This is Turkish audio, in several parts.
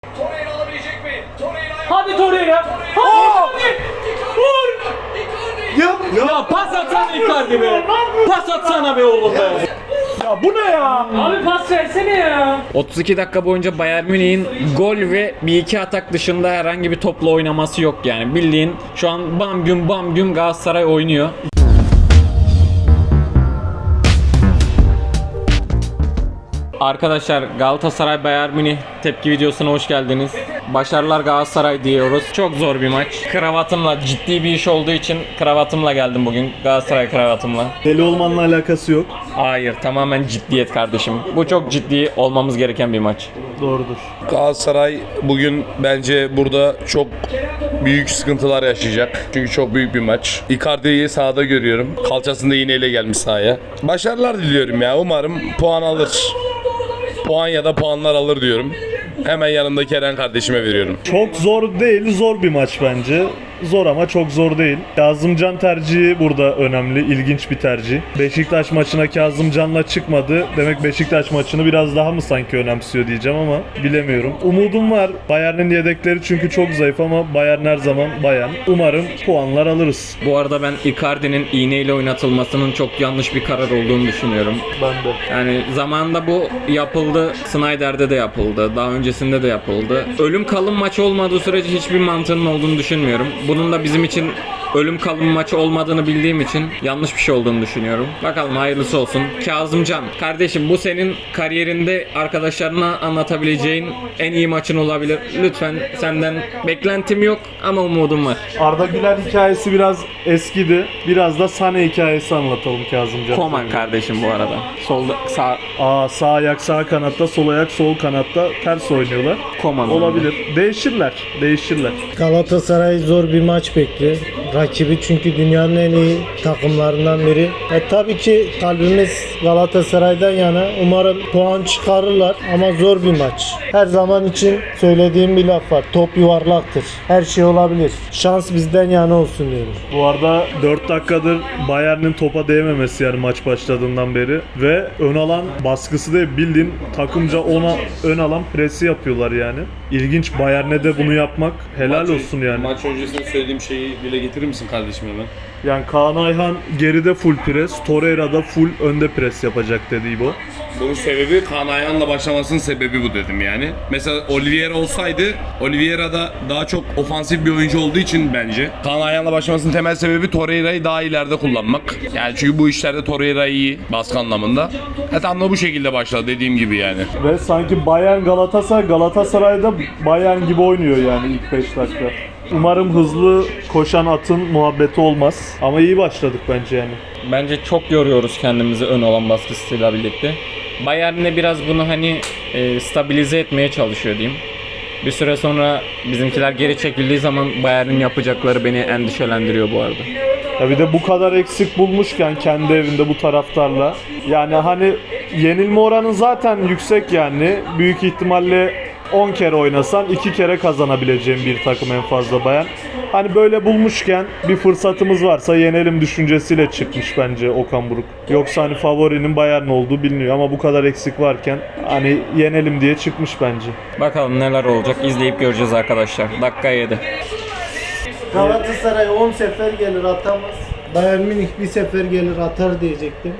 Torreira alabilecek mi? Torreira Hadi Torreira. Hadi. Vur. Ya pas atsana Icardi be. Pas atsana be oğlum be. Ya bu ne ya? Abi pas versene ya. 32 dakika boyunca Bayern Münih'in gol ve bir iki atak dışında herhangi bir topla oynaması yok yani. Bildiğin şu an bam güm Galatasaray oynuyor. Arkadaşlar Galatasaray Bayern Münih tepki videosuna hoş geldiniz. Başarılar Galatasaray diyoruz. Çok zor bir maç. Kravatımla ciddi bir iş olduğu için kravatımla geldim bugün. Galatasaray kravatımla. Deli olmanla alakası yok. Hayır, tamamen ciddiyet kardeşim. Bu çok ciddi olmamız gereken bir maç. Doğrudur. Galatasaray bugün bence burada çok büyük sıkıntılar yaşayacak. Çünkü çok büyük bir maç. Icardi'yi sahada görüyorum. Kalçasında iğneyle gelmiş sahaya. Başarılar diliyorum ya. Umarım puan alır. Puan ya da puanlar alır diyorum. Hemen yanındaki Eren kardeşime veriyorum. Çok zor değil, zor bir maç bence. Zor ama çok zor değil. Kazımcan tercihi burada önemli, ilginç bir tercih. Beşiktaş maçına Kazımcan'la çıkmadı. Demek Beşiktaş maçını biraz daha mı sanki önemsiyor diyeceğim ama bilemiyorum. Umudum var. Bayern'in yedekleri çünkü çok zayıf ama Bayern her zaman Bayern. Umarım puanlar alırız. Bu arada ben Icardi'nin iğneyle oynatılmasının çok yanlış bir karar olduğunu düşünüyorum. Ben de. Yani zamanında bu yapıldı. Snyder'de de yapıldı. Daha öncesinde de yapıldı. Ölüm kalım maç olmadığı sürece hiçbir mantığının olduğunu düşünmüyorum. Bunun da bizim için ölüm kalım maçı olmadığını bildiğim için yanlış bir şey olduğunu düşünüyorum. Bakalım hayırlısı olsun. Kazımcan, kardeşim bu senin kariyerinde arkadaşlarına anlatabileceğin en iyi maçın olabilir. Lütfen senden beklentim yok ama umudum var. Arda Güler hikayesi biraz eskidi. Biraz da Sané hikayesi anlatalım Kazımcan. Koman kardeşim bu arada. Solda sağ Sağ ayak sağ kanatta, sol ayak sol kanatta ters oynuyorlar. Koman. Olabilir. Değişirler. Galatasaray zor bir maç bekliyor. Rakibi çünkü dünyanın en iyi takımlarından biri. Tabii ki kalbimiz Galatasaray'dan yana. Umarım puan çıkarırlar ama zor bir maç. Her zaman için söylediğim bir laf var. Top yuvarlaktır. Her şey olabilir. Şans bizden yana olsun diyorum. Bu arada 4 dakikadır Bayern'in topa değmemesi yani maç başladığından beri ve ön alan baskısı da bildiğin takımca ona ön alan presi yapıyorlar yani. İlginç, Bayern'e de bunu yapmak helal olsun yani. Maç öncesinde söylediğim şeyi dile getirir misin kardeşim hemen? Yani Kaan Ayhan geride full pres, Torreira da full önde pres yapacak dedi İbo. Bunun sebebi Kaan Ayhan'la başlamasının sebebi bu dedim yani. Mesela Oliveira olsaydı, Oliveira da daha çok ofansif bir oyuncu olduğu için bence. Kaan Ayhan'la başlamasının temel sebebi Torreira'yı daha ileride kullanmak. Yani çünkü bu işlerde Torreira iyi baskı anlamında. Tam da bu şekilde başladı dediğim gibi yani. Ve sanki Bayern Galatasaray'da Bayern gibi oynuyor yani ilk 5 dakika. Umarım hızlı koşan atın muhabbeti olmaz. Ama iyi başladık bence yani. Bence çok yoruyoruz kendimizi ön alan baskısıyla birlikte. Bayern'le biraz bunu stabilize etmeye çalışıyor diyeyim. Bir süre sonra bizimkiler geri çekildiği zaman Bayern'in yapacakları beni endişelendiriyor bu arada. Ya bir de bu kadar eksik bulmuşken kendi evinde bu taraftarla. Yani hani yenilme oranı zaten yüksek yani. Büyük ihtimalle 10 kere oynasan 2 kere kazanabileceğim bir takım en fazla Bayern. Hani böyle bulmuşken bir fırsatımız varsa yenelim düşüncesiyle çıkmış bence Okan Buruk. Yoksa hani favorinin Bayern olduğu biliniyor ama bu kadar eksik varken hani yenelim diye çıkmış bence. Bakalım neler olacak, izleyip göreceğiz arkadaşlar. Dakika 7. Galatasaray 10 sefer gelir atamaz. Bayern Münih bir sefer gelir atar diyecektim.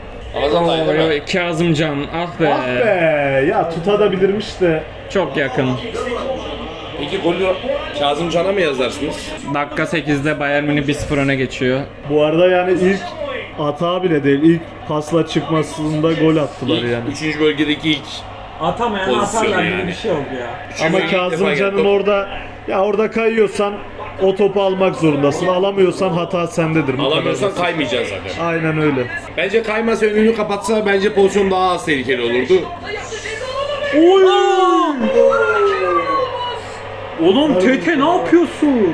Kazımcan, ah be. Ah be ya tutabilirmiş de. Çok yakın. Peki golü Kazımcan'a mı yazarsınız? Dakika 8'de Bayern Münih 1-0 öne geçiyor. Bu arada yani ilk hata bile değil, ilk pasla çıkmasında gol attılar yani. 3. bölgedeki ilk Atamayan Pozisyon atarlar yani. gibi bir şey oldu ya. Ama Kazımcan'ın orada kayıyorsan o topu almak zorundasın. Alamıyorsan hata sendedir. Bu alamıyorsan kadar. kaymayacaksın zaten. Aynen öyle. Bence kaymasa önünü kapatsa bence pozisyon daha az tehlikeli olurdu. Oğlum Tete ne yapıyorsun?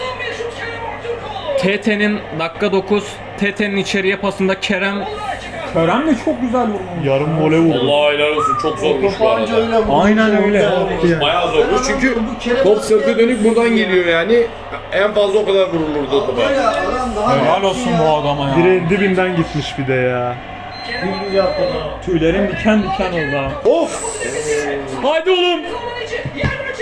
Tete'nin dakika 9, Tete'nin içeriye pasında Kerem de çok güzel vurmuş. Yarım vole vurdu. Allah helal olsun, çok zormuş bu arada. Aynen öyle. Bayağı zormuş çünkü top sırtı dönük buradan geliyor yani. En fazla o kadar vurulurdu o topa. Helal olsun bu adama ya. Direğin dibinden gitmiş bir de ya. Tüylerim diken diken oldu ha. Of! Haydi oğlum.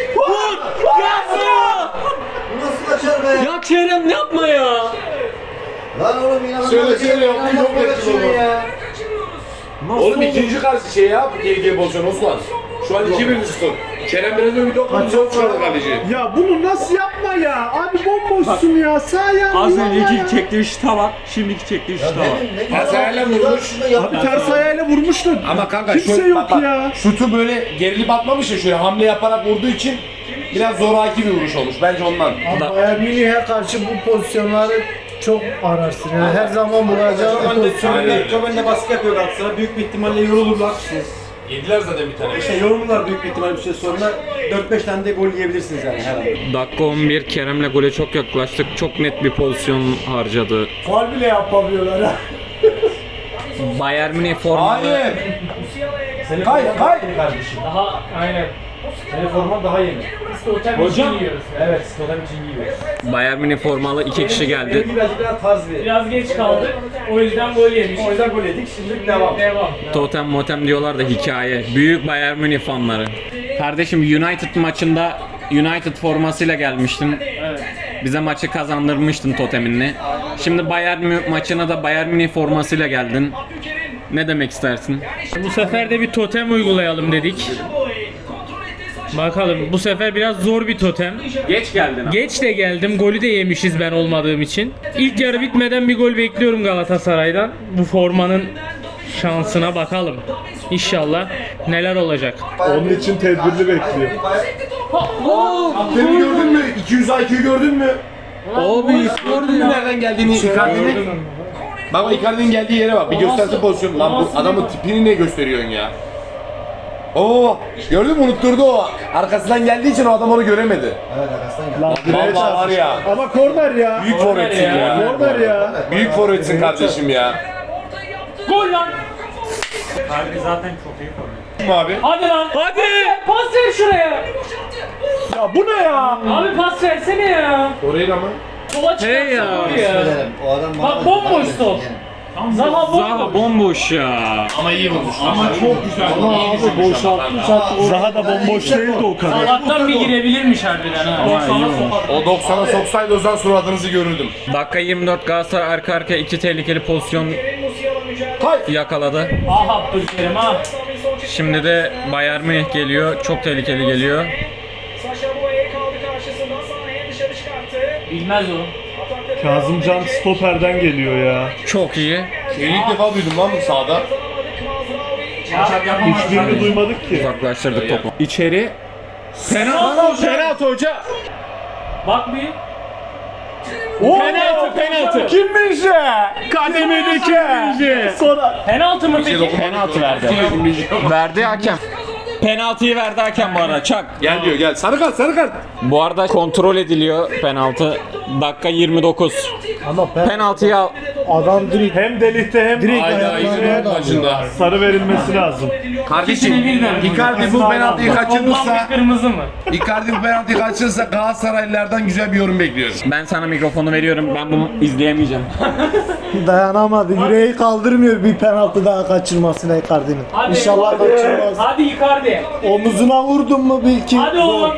Kerem yapma ya. Lan oğlum inanılmaz. Söyle yaptı yok etti baba. ya. Oğlum ikinci karşı şey yap. Tehlikeli pozisyon Osman. Şu an 2-1 skor. Kerem biraz önce bir top çok çıkardı kaleci. Ya bunu nasıl yapma ya? Abi bomboşsun ya. Sağ ayağını Az ya. önceki çektiği şuta bak, şimdiki çektiği şuta bak. Pas ayağıyla vurmuş. Abi ters ayağıyla vurmuştu. Ama kanka Kimse şöyle, yok ya. şutu böyle gerilip atmamış ya, şöyle hamle yaparak vurduğu için biraz zoraki bir vuruş olmuş. Bence ondan. Ama Bayern Münih'e karşı bu pozisyonları çok ararsın. Yani her zaman bulacağın bir pozisyon. Çok önde baskı yapıyor Galatasaray. Büyük bir ihtimalle yorulurlar. Yediler zaten bir tane. İşte yorulurlar büyük bir ihtimalle bir süre sonra 4-5 tane de gol yiyebilirsiniz yani her an. Dakika 11 Kerem'le gole çok yaklaştık. Çok net bir pozisyon harcadı. Faul bile yapamıyorlar ha. Bayern Münih formalı. Hayır. Senin Kay, forman kay. daha yeni kardeşim. Daha aynen. Senin forman daha yeni. Biz de otel için yiyoruz. Evet, Skoda için giyiyoruz. Bayern Münih formalı 2 kişi geldi. Benimki birazcık daha tarz bir. Biraz geç kaldık. O yüzden gol yemiş. O yüzden gol yedik. Şimdi devam. Devam. Totem motem diyorlar da hikaye. Büyük Bayern Münih fanları. Kardeşim United maçında United formasıyla gelmiştin. Evet. Bize maçı kazandırmıştın toteminle. Şimdi Bayern maçına da Bayern Münih formasıyla geldin. Ne demek istersin? Bu sefer de bir totem uygulayalım dedik. Bakalım bu sefer biraz zor bir totem. Geç geldin abi. Geç de geldim. Golü de yemişiz ben olmadığım için. İlk yarı bitmeden bir gol bekliyorum Galatasaray'dan. Bu formanın şansına bakalım. İnşallah neler olacak. Onun için tedbirli bekliyor. Beni gördün mü? 200 IQ gördün mü? Abi Gördün mü nereden geldiğini Icardi'nin? Bak Icardi'nin geldiği yere bak. Bir gösterse pozisyon. Lan bu adamın tipini ne gösteriyorsun ya? Oo, gördün mü, unutturdu o. Arkasından geldiği için o adam onu göremedi. Evet arkasından geldi. Lan direğe Vallahi var ya. Ama korner ya. Büyük forvetsin ya. Korner ya. Büyük forvetsin kardeşim ya. Gol lan! Kim abi? Hadi lan! Hadi! Pas ver şuraya! Ya bu ne ya? Abi pas versene ya! Orayı mı? Sola çıkarsa Hey ya. gol ya! Söylerim, o adam bana... Bak bomboş top! Zaha Zaha bomboş! bomboş ya. Ama iyi vurmuş. Ama çok güzel. Ama abi boşalttı. Zaha da bomboş değildi o kadar. Allah'tan bir girebilirmiş harbiden ha. O 90'a soksaydı o zaman suratınızı görürdüm. Dakika 24 Galatasaray arka arkaya 2 tehlikeli pozisyon yakaladı. Ah Abdülkerim ah! Şimdi de Bayern Münih geliyor. Çok tehlikeli geliyor. Saşa Boye kaldı karşısında. Sahaya dışarı çıkarttı. Bilmez o. Kazımcan stoperden geliyor ya. Çok iyi. İlk defa duydum lan bu sahada. Hiçbirini duymadık ki. Uzaklaştırdık topu. İçeri. Penaltı hoca. Bak bir. Penaltı. Kimmiş ya? Kademedeki. Sonra Penaltı mı peki? Penaltı verdi. Verdi hakem. Penaltıyı verdi hakem bu arada. Çak. Gel diyor, gel. Sarı kart, sarı kart. Bu arada kontrol ediliyor penaltı. Dakika 29. Ama Penaltıyı al. adam direkt hem delikte hem direkt Hayda, ayaklarına da maçında. sarı verilmesi lazım. Kardeşim, İkisini birden. Icardi bu penaltıyı Ondan kaçırırsa, bir kırmızı mı? Icardi bu penaltıyı kaçırırsa Galatasaraylılardan güzel bir yorum bekliyoruz. Ben sana mikrofonu veriyorum. Ben bunu izleyemeyeceğim. dayanamadı. Yüreği kaldırmıyor bir penaltı daha kaçırmasına Icardi'nin. Hadi. İnşallah kaçırmaz. Hadi Icardi. Omuzuna vurdun mu bil ki. Hadi oğlum.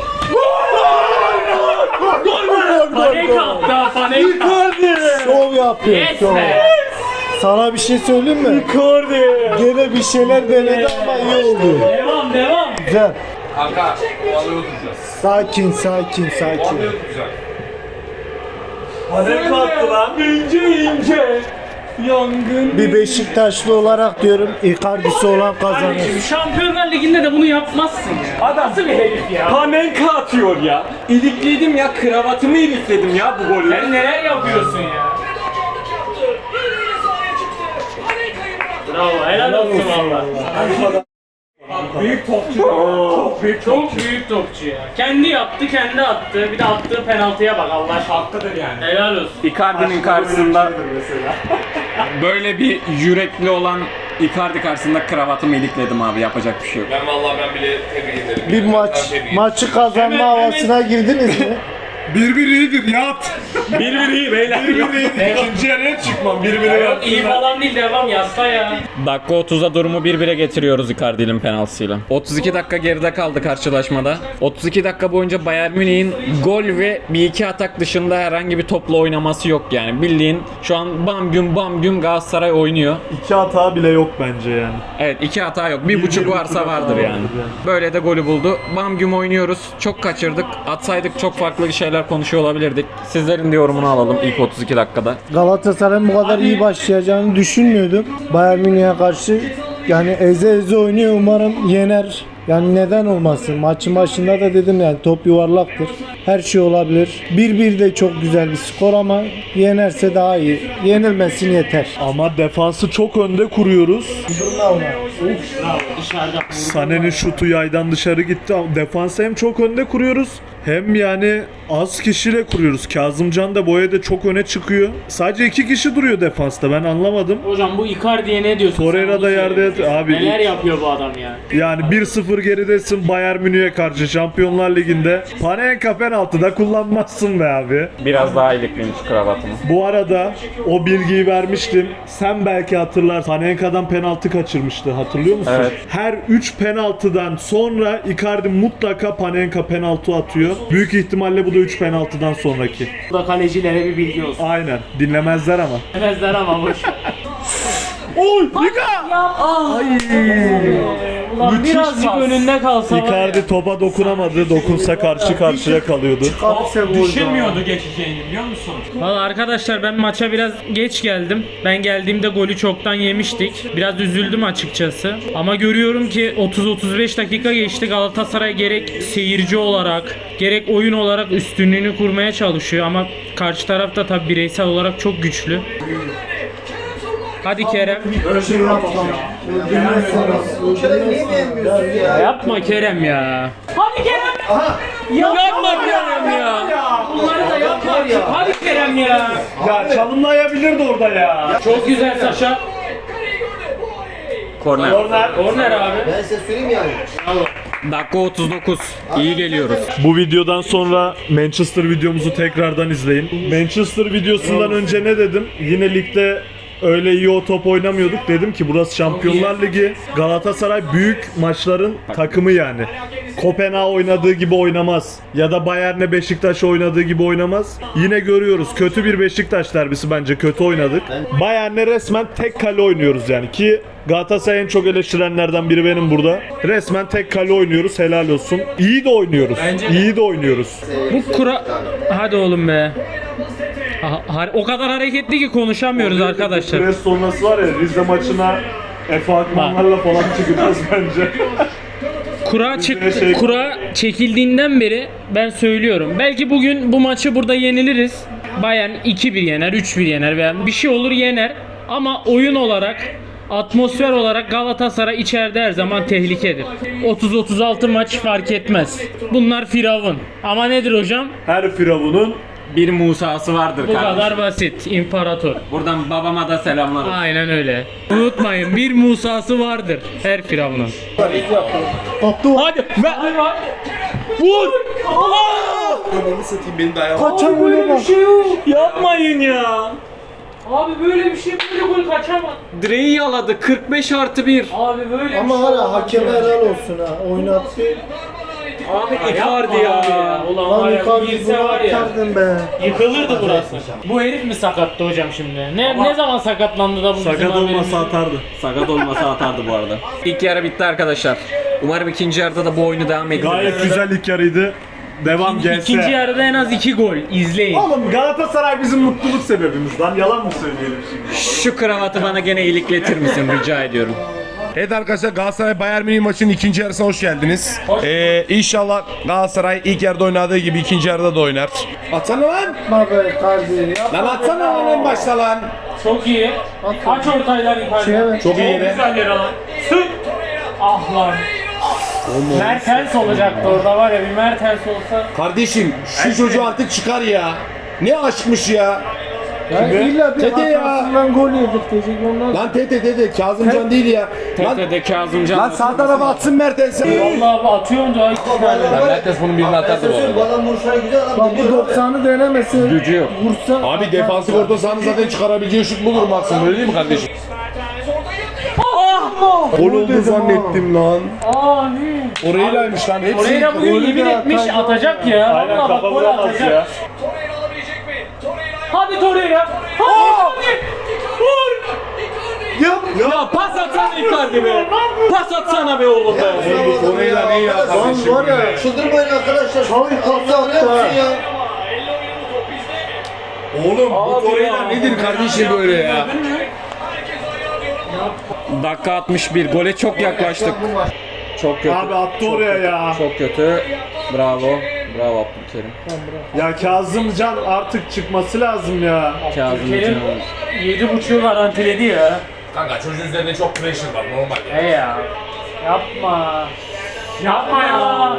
Panik attı ha, panik attı. Şov yapıyor. Yes şov. be. Sana bir şey söyleyeyim mi? Gene bir şeyler denedi ama iyi oldu. Devam. Güzel. Kanka, o alıyor tutacağız. Sakin. O alıyor tutacağız. Bir Beşiktaşlı olarak diyorum Icardi'si olan kazanır. Kardeşim Şampiyonlar Ligi'nde de bunu yapmazsın ya. Adam nasıl bir herif ya? Panenka atıyor ya. İlikledim ya, kravatımı ilikledim ya bu golle. Sen neler yapıyorsun ya? Bravo, helal olsun valla. Büyük topçu. Çok büyük topçu ya. Kendi yaptı, kendi attı. Bir de attığı penaltıya bak Allah aşkına. Hakikaten yani. Helal olsun. Icardi'nin karşısında böyle bir yürekli olan Icardi karşısında kravatımı ilikledim abi, yapacak bir şey yok. Ben bile tebrik ederim. Bir maçı kazanma Hemen- havasına girdiniz mi? 1-1 iyidir yat. 1-1 iyi beyler. 1-1 iyidir. İkinci yarıya çıkmam. 1-1'e Yok iyi falan değil, devam yazsa ya. Dakika 30'a durumu 1-1'e getiriyoruz Icardi'nin penaltısıyla. 32 dakika geride kaldı karşılaşmada. 32 dakika boyunca Bayern Münih'in gol ve bir iki atak dışında herhangi bir topla oynaması yok yani. Bildiğin şu an bam güm Galatasaray oynuyor. 2 hata bile yok bence yani. Evet, 2 hata yok. 1.5 varsa vardır yani. Böyle de golü buldu. Bam güm oynuyoruz. Çok kaçırdık. Atsaydık çok farklı şeyler konuşuyor olabilirdik. Sizlerin de yorumunu alalım ilk 32 dakikada. Galatasaray'ın bu kadar iyi başlayacağını düşünmüyordum. Bayern Münih'e karşı yani eze oynuyor, umarım yener. Yani neden olmasın? Maçın başında da dedim yani top yuvarlaktır. Her şey olabilir. 1-1 de çok güzel bir skor ama yenerse daha iyi. Yenilmesin yeter. Ama defansı çok önde kuruyoruz. Sané'nin şutu yaydan dışarı gitti. Ama defansı hem çok önde kuruyoruz hem yani az kişiyle kuruyoruz. Kazımcan da Boya da çok öne çıkıyor. Sadece 2 kişi duruyor defansta, ben anlamadım. Hocam bu Icardi'ye ne diyorsun? Torreira sen? da Onu yerde söyle. yat- abi. Neler yapıyor bu adam ya? Yani 1-0 geridesin Bayern Münih'e karşı Şampiyonlar Ligi'nde. Panenka penaltıda kullanmazsın be abi. Biraz daha ilikliymiş kravatımı. Bu arada o bilgiyi vermiştim. Sen belki hatırlarsın. Panenka'dan penaltı kaçırmıştı. Hatırlıyor musun? Evet. Her 3 penaltıdan sonra Icardi mutlaka Panenka penaltı atıyor. Büyük ihtimalle bu da 3 penaltıdan sonraki. Bu da kalecilere bir bilgi olsun. Aynen. Dinlemezler ama. Demezler ama boş. Oy! Ica! Ulan Müthiş birazcık pas. önünde kalsa var ya. Icardi topa dokunamadı. Dokunsa karşı karşıya kalıyordu. Düşünmüyordu geçeceğini biliyor musun? Valla arkadaşlar ben maça biraz geç geldim. Ben geldiğimde golü çoktan yemiştik. Biraz üzüldüm açıkçası. Ama görüyorum ki 30-35 dakika geçti. Galatasaray gerek seyirci olarak gerek oyun olarak üstünlüğünü kurmaya çalışıyor. Ama karşı taraf da tabi bireysel olarak çok güçlü. Hadi Kerem. Şöyle niye beğenmiyorsun ya? Yapma Kerem ya. Hadi Kerem. Yapma Kerem ya. Bunları da yapma. Hadi Kerem ya. Ya çalımlayabilirdi orada ya. Çok güzel Saşa. Korner. Korner abi. Ben size söyleyeyim yani. Dakika 39. İyi geliyoruz. Bu videodan sonra Manchester videomuzu tekrardan izleyin. Manchester videosundan önce ne dedim? Yine ligde öyle iyi o top oynamıyorduk. Dedim ki burası Şampiyonlar Ligi. Galatasaray büyük maçların takımı yani. Kopenhag oynadığı gibi oynamaz. Ya da Bayern'le Beşiktaş oynadığı gibi oynamaz. Yine görüyoruz. Kötü bir Beşiktaş derbisi bence. Kötü oynadık. Bayern'le resmen tek kale oynuyoruz yani. Ki Galatasaray en çok eleştirenlerden biri benim burada. Resmen tek kale oynuyoruz. Helal olsun. İyi de oynuyoruz. İyi de oynuyoruz. Bu kura... Hadi oğlum be. O kadar hareketli ki konuşamıyoruz arkadaşlar. Pres sonrası var ya, Rize maçına Efe Akmanlarla falan çıkacağız bence. Kura çekildiğinden beri ben söylüyorum. Belki bugün bu maçı burada yeniliriz. Bayern 2-1 yener, 3-1 yener veya bir şey olur yener. Ama oyun olarak, atmosfer olarak Galatasaray içeride her zaman tehlikedir. 30-36 maç fark etmez. Bunlar firavun. Ama nedir hocam? Her firavunun Bir Musa'sı vardır Bu kardeşim. kadar basit. İmparator. Buradan babama da selamlar olsun. Aynen öyle. Unutmayın bir Musa'sı vardır her firavunun. Hadi. Hadi var. Vur. Ananı satayım beni de ayağım. Kaçan gole bak. Yapmayın ya. Abi böyle bir şey böyle gol kaçamaz. Direği yaladı 45+1. Abi böyle Ama hala hakeme helal olsun ha. Oynattı. Abi Icardi ya. Ulan var Lan ya Icardi girse bunu var ya. atardın be. Yıkılırdı burası. Bu herif mi sakattı hocam şimdi? Ne zaman sakatlandı da bu bizim sakat haberimiz olmasa yok? atardı. Sakat olmasa atardı bu arada. İlk yarı bitti arkadaşlar. Umarım ikinci yarıda da bu oyunu devam ettiririz. Gayet güzel ilk yarıydı. Devam gelse. İkinci yarıda en az 2 gol. İzleyin. Oğlum Galatasaray bizim mutluluk sebebimiz lan. Yalan mı söyleyelim şimdi? Şu kravatı bana gene ilikletir misin rica ediyorum. Evet arkadaşlar, Galatasaray Bayern Münih maçının ikinci yarısına hoş geldiniz. İnşallah Galatasaray ilk yarıda oynadığı gibi ikinci yarıda da oynar. Atsana lan! Yapma be Icardi. Yapma Lan atsana lan en başta lan! Çok iyi. Aç ortaylar yukarıda. Şeye bak. Çok iyi be. Güzel yer alan. Sık. Ah lan. Mertens olacaktı orada var ya, bir Mertens olsa. Kardeşim şu çocuğu artık çıkar ya. Ne aşkmış ya. İlla bir Tete ya. hatasından gol yedirtecek ondan. Lan Tete Kazımcan değil ya. Lan, TT'de Kazımcan. lan sağ tarafa atsın Mertens. Vallahi abi atıyorum da Mertens bunun birini atardı bu arada. Bu adam vuruşları güzel adam. Bak bu 90'ı denemese Gücü yok. vursa Abi defansif orta sahanın zaten çıkarabileceği şut budur maksimum, öyle değil mi kardeşim? Gol oldu zannettim lan. Abi. Oraylaymış lan hepsi. Torreira bugün yemin etmiş atacak ya. Aynen Vallahi bak gol kapatamaz atacak. ya. Torreira alabilecek mi? Torreira Hadi Torreira. Hadi. Vur. Ya pas atsana Icardi be. Pas atsana be oğlum be. Bu Torreira ne ya kardeşim? var ya. Çıldırmayın arkadaşlar. Çok Kalsa ne yapsın ya? ama elle oynadı top bizde. Oğlum bu Torreira nedir kardeşim böyle ya? Herkes ayağa diyorum. Dakika 61. Gole çok yaklaştık. Çok kötü. Abi attı oraya ya. Çok kötü. Bravo. Bravo Abdülkerim. Ya Kazımcan artık çıkması lazım ya. Kazımcan. 7.5'u garantiledi ya. Kanka çocuğun üzerinde çok pressure var normal ya. He ya. Yapma. Yapma ya.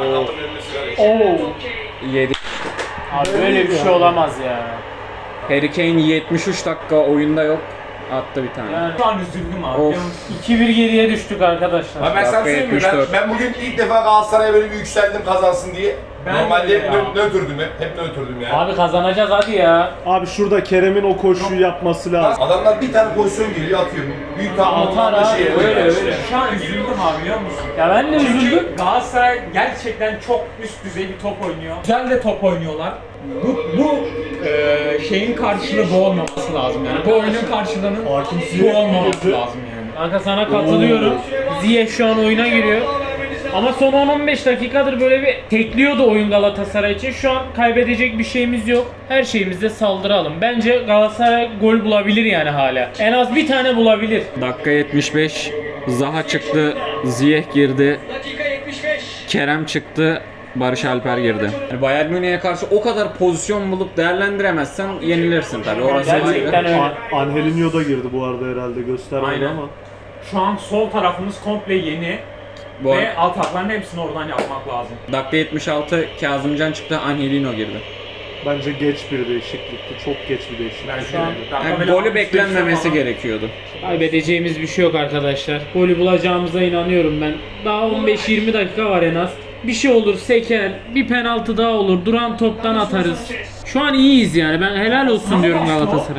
Oo. 7. Abi böyle bir şey olamaz ya. Harry Kane 73 dakika oyunda yok. Attı bir tane. Yani şu an üzüldüm abi. Of. 2-1 geriye düştük arkadaşlar. Ha ben sana Dakika söyleyeyim mi? 74. Ben bugün ilk defa Galatasaray'a böyle bir yükseldim kazansın diye. Ben Normalde de ya. nötrdüm hep nötrdüm ya. Abi kazanacağız hadi ya. Abi şurada Kerem'in o koşuyu yapması lazım. Adamlar bir tane pozisyon geliyor atıyor. Büyük Atar tahminlerle abi, şey öyle, yapıyor öyle. Şu an üzüldüm abi biliyor musun? Ya ben de üzüldüm. Çünkü Galatasaray gerçekten çok üst düzey bir top oynuyor. Güzel de top oynuyorlar. Bu şeyin karşılığı bu olmaması lazım yani. Bu oyunun karşılığının bu olmaması lazım yani. Kanka sana katılıyorum. Ziyech şu an oyuna giriyor. Ama son 10-15 dakikadır böyle bir tekliyordu oyun Galatasaray için. Şu an kaybedecek bir şeyimiz yok. Her şeyimizde saldıralım. Bence Galatasaray gol bulabilir yani hala. En az bir tane bulabilir. Dakika 75. Zaha çıktı. Ziyech girdi. Dakika 75. Kerem çıktı. Barış Alper girdi. Yani Bayern Münih'e karşı o kadar pozisyon bulup değerlendiremezsen yenilirsin tabii. Orası Gerçekten ayrı. öyle. Angelinho da girdi bu arada herhalde göstermedi Aynen. ama. Şu an sol tarafımız komple yeni Bu ve atakların hepsini oradan yapmak lazım. dakika 76 Kazımcan çıktı. Angelino girdi. Bence geç bir değişiklikti. Çok geç bir değişiklik. Ben Şu an Yani golü beklenmemesi gerekiyordu. Kaybedeceğimiz bir şey yok arkadaşlar. Golü bulacağımıza inanıyorum ben. Daha 15-20 dakika var en az. Bir şey olur seker, bir penaltı daha olur, duran toptan atarız. Şu an iyiyiz yani. Ben helal olsun diyorum Galatasaray.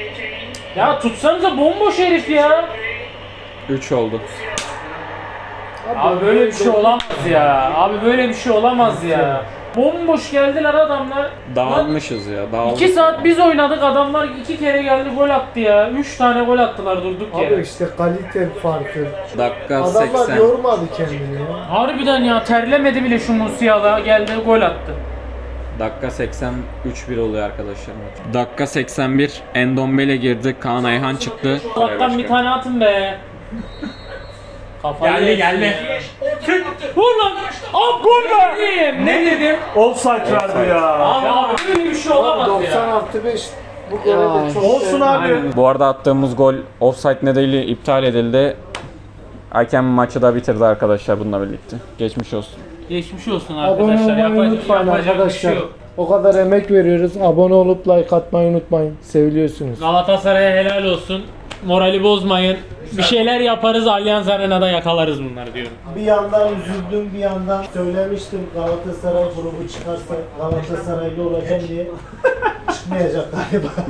Ya tutsanıza bomboş herif ya. 3 oldu. Abi böyle bir şey olamaz ya. Abi böyle bir şey olamaz ya. Bomboş geldiler adamlar. Dağılmışız ya. 2 saat biz oynadık, adamlar 2 kere geldi gol attı ya. 3 tane gol attılar durduk Abi yere. işte kalite farkı. Dakika Adamlar 80. yormadı kendini ya. Harbiden ya, terlemedi bile şu Musiala, geldi gol attı. Dakika 83 1 oluyor arkadaşlar maç. Dakika 81 Endombele girdi. Kaan Ayhan çıktı. Allah'tan bir tane atın be. Kafayı Geldi. Vur lan! Ab gol be! Ne dedim? Offside verdi ya. Abi böyle bir şey olamaz 90 ya. artı 5 bu görevde çok Olsun abi. Bu arada attığımız gol offside nedeniyle iptal edildi. Hakem maçı da bitirdi arkadaşlar bununla birlikte. Geçmiş olsun. Geçmiş olsun Abone arkadaşlar. olmayı unutmayın Yapacak bir şey arkadaşlar. yok. O kadar emek veriyoruz. Abone olup like atmayı unutmayın. Seviliyorsunuz. Galatasaray'a helal olsun. Morali bozmayın. Bir şeyler yaparız, Allianz Arena'da yakalarız bunları diyorum. Bir yandan üzüldüm, bir yandan söylemiştim Galatasaray grubu çıkarsa Galatasaraylı olacağım diye. Çıkmayacak galiba.